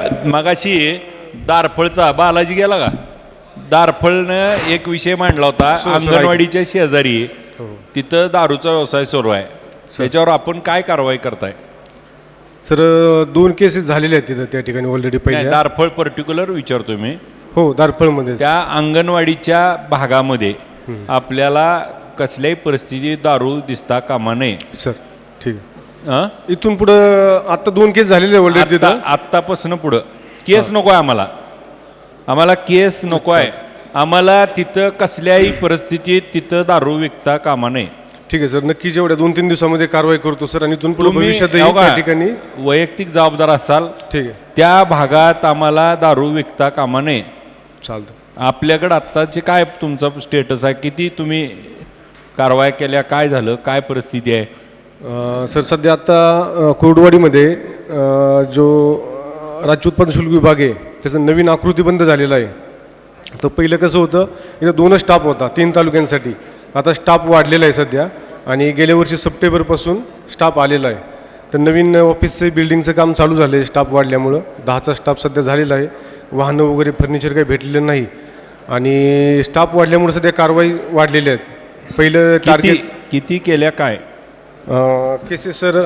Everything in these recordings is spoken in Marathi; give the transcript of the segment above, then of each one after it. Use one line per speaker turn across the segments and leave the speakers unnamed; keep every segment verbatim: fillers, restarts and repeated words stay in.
मगाशी दारफळचा बालाजी गेला का, दारफळनं एक विषय मांडला होता, अंगणवाडीच्या शेजारी तिथं दारूचा व्यवसाय सुरू आहे, त्याच्यावर आपण काय कारवाई करताय?
सर दोन केसेस झालेले आहेत तिथं त्या ठिकाणी ऑलरेडी. पहिले
दारफळ पर्टिक्युलर विचारतो मी.
हो, दारफळमध्ये
त्या अंगणवाडीच्या भागामध्ये आपल्याला कसल्याही परिस्थितीत दारू दिसता कामा नये.
सर ठीक आहे. इथून पुढं आता दोन केस झालेले ऑलरेडी तिथं.
आत्तापासून पुढं केस नको आहे आम्हाला, आम्हाला केस नको आहे. आम्हाला तिथं कसल्याही परिस्थितीत तिथं दारू विकता कामा नये.
ठीक आहे सर, नक्की जेवढ्या दोन तीन दिवसामध्ये कारवाई करतो सर. आणि इथून पुढे भविष्यातही त्या ठिकाणी
वैयक्तिक जबाबदार असाल,
ठीक आहे,
त्या भागात आम्हाला दारू विकता कामा नये.
चालतं.
आपल्याकडे आत्ताचे काय तुमचा स्टेटस आहे, किती तुम्ही कारवाया केल्या, काय झालं, काय परिस्थिती आहे?
सर सध्या आता कोरडवाडीमध्ये जो राज्य उत्पादन शुल्क विभाग आहे त्याचं नवीन आकृती बंद झालेला आहे. तर पहिलं कसं होतं, इथं दोनच स्टाफ होता तीन तालुक्यांसाठी. आता स्टाफ वाढलेला आहे सध्या, आणि गेल्या वर्षी सप्टेंबरपासून स्टाफ आलेला आहे. तर नवीन ऑफिसचं बिल्डिंगचं काम चालू झालं आहे स्टाफ वाढल्यामुळं. दहाचा स्टाफ सध्या झालेला आहे. वाहनं वगैरे फर्निचर काही भेटलेलं नाही, आणि स्टाफ वाढल्यामुळे सध्या कारवाई वाढलेल्या आहेत. पहिलं टार्गेट
किती केल्या काय
केसेस सर?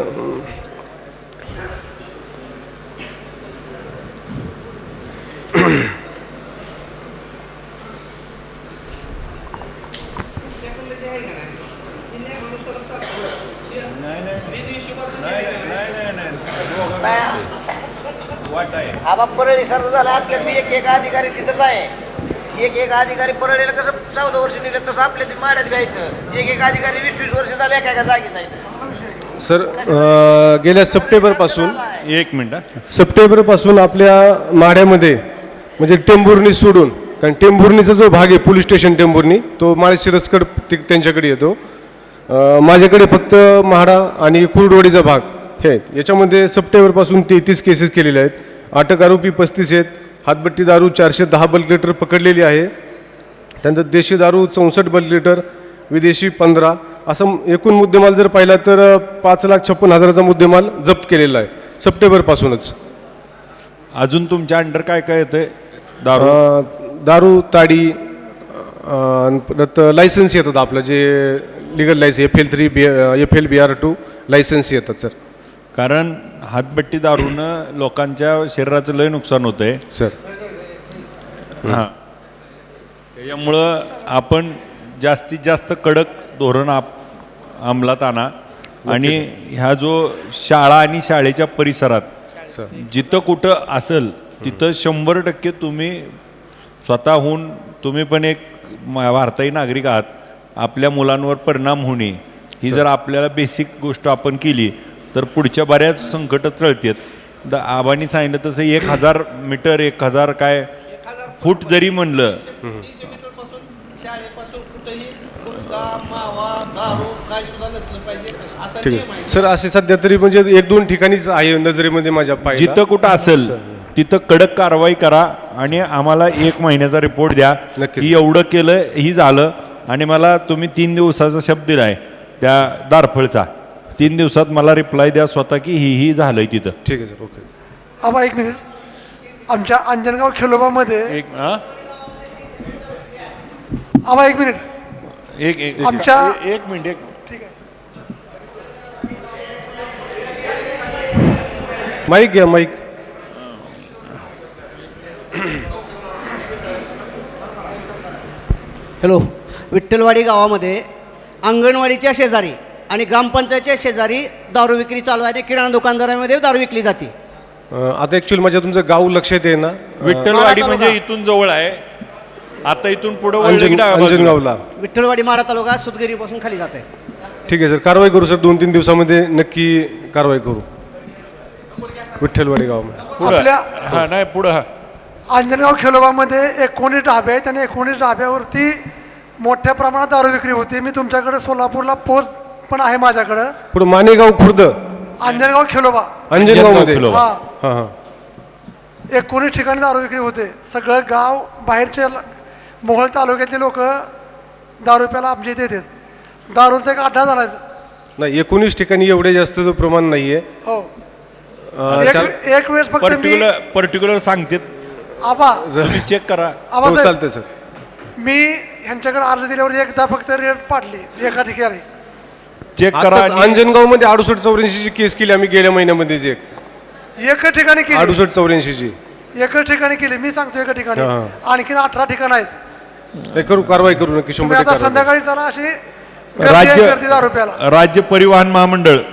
आबा परळी सर्व झाला आपल्यात बी एक एक अधिकारी तिथंच आहे. एक एक अधिकारी परळीला कसं चौदा वर्ष नेले तसं आपल्या माड्यात बी आहेत. एक एक अधिकारी वीस वीस वर्ष झाले एका एका जागीच आहेत.
सर गेल्या सप्टेंबरपासून
एक मिनिट
सप्टेंबरपासून आपल्या माढ्यामध्ये म्हणजे टेंभुर्णी सोडून, कारण टेंभुर्णीचा जो भाग आहे पोलीस स्टेशन टेंभुर्णी, तो माळशिरसकड त्यांच्याकडे येतो. माझ्याकडे फक्त म्हाडा आणि कुर्डवाडीचा भाग हे आहेत. याच्यामध्ये सप्टेंबरपासून तेहतीस केसेस केलेले आहेत. अटक आरोपी पस्तीस आहेत. हातभट्टी दारू चारशे दहा बल्क लिटर पकडलेली आहे. त्यानंतर देशी दारू चौसष्ट बल्क लिटर, विदेशी पंधरा, असं एकूण मुद्देमाल जर पाहिला तर पाच लाख छप्पन हजाराचा मुद्देमाल जप्त केलेला आहे सप्टेंबरपासूनच.
अजून तुमच्या अंडर काय काय येतं? दारू
दारू ताडी, परत लायसन्स येतात आपलं जे legal licence F L three B F L B R two licence येतात सर.
कारण हातभट्टी दारूनं लोकांच्या शरीराचं लय नुकसान होतं आहे
सर.
हां, त्याच्यामुळं आपण जास्तीत जास्त कडक धोरण आप अंमलात आणा. आणि ह्या जो शाळा आणि शाळेच्या परिसरात जिथं कुठं असेल तिथं शंभर टक्के तुम्ही स्वतःहून, तुम्ही पण एक भारतीय नागरिक आहात, आपल्या मुलांवर परिणाम होणे ही जर आपल्याला बेसिक गोष्ट आपण केली तर पुढच्या बऱ्याच संकट टळतात. आबांनी सांगितलं तसं एक हजार मीटर एक हजार काय फूट जरी म्हणलं
ठीक आहे सर. असे सध्या तरी म्हणजे एक दोन ठिकाणीच आहे नजरेमध्ये माझ्या पाय.
जिथं कुठं असेल तिथं कडक कारवाई करा आणि आम्हाला एक महिन्याचा रिपोर्ट द्या की एवढं केलं ही झालं. आणि मला तुम्ही तीन दिवसाचा शब्द दिलाय त्या दारफळचा, तीन दिवसात मला रिप्लाय द्या स्वतः की ही ही झालंय तिथं.
ठीक आहे सर. ओके.
आबा एक मिनिट, आमच्या अंजनगाव खेलोबामध्ये
एक
आबा एक मिनिट
एक एक
आमच्या
एक मिनिट एक
ठीक आहे.
माईक घ्या, माईक.
हॅलो. विठ्ठलवाडी गावामध्ये अंगणवाडीच्या शेजारी आणि ग्रामपंचायतच्या शेजारी दारू विक्री चालू आहे आणि किराणा दुकानदारामध्ये दारू विकली जाते.
आता ऍक्च्युअली माझ्या तुमचं गाव लक्षात आहे ना?
विठ्ठलवाडी म्हणजे इथून जवळ आहे. आता इथून पुढे
अंजनगावला
विठ्ठलवाडी माढा तालुका सुतगिरीपासून खाली जात आहे.
ठीक आहे सर, कारवाई करू सर. दोन तीन दिवसामध्ये नक्की कारवाई करू विठ्ठलवाडी गावामध्ये.
आपल्या
हा नाही पुढं हा
अंजनगाव खेलोबामध्ये एकोणीस ढाबे आहेत आणि एकोणीस ढाब्यावरती मोठ्या प्रमाणात दारू विक्री होती. मी तुमच्याकडे सोलापूरला पोस्ट पण आहे माझ्याकडं.
पुढे मानेगाव खुर्द
अंजनगाव खेलोबा
अंजनगाव मध्ये
हा
हा हा
एकोणीस ठिकाणी दारू विक्री होते. सगळं गाव बाहेरचे मोहोळ तालुक्यातले लोक दारू प्यायला आमच्या इथे येतात. दारूचा एक अड्डा झाला.
नाही, एकोणीस ठिकाणी एवढे जास्त प्रमाण नाहीये.
हो. एक
चाल-
एक वेळेस फक्त मी
पर्टिक्युलर पर्टिक्युलर सांगतात
आबा
तुम्ही चेक करा.
हो
आबासाहेब
चालतंय सर.
मी ह्यांच्याकडे अर्ज दिल्यावर एकदा फक्त रेट पाडली एका ठिकाणी.
चेक करा
आताच
आणि
अंजनगाव मध्ये अडुसष्ट चौऱ्याऐंशी ची केस केली आम्ही गेल्या महिन्यामध्ये जे
एकच ठिकाणी केली
अडुसष्ट चौऱ्याऐंशी ची
एकच ठिकाणी केली मी सांगतो एका ठिकाणी
हा.
आणखीन अठरा ठिकाण आहेत.
हे करू कारवाई करू नक्की
तुम्ही
शंभर
आता
टक्के कारवाई.
संध्याकाळी चला अशी गर्दी आहे, गर्दी दहा रुपयाला
राज्य राज्य परिवहन महामंडळ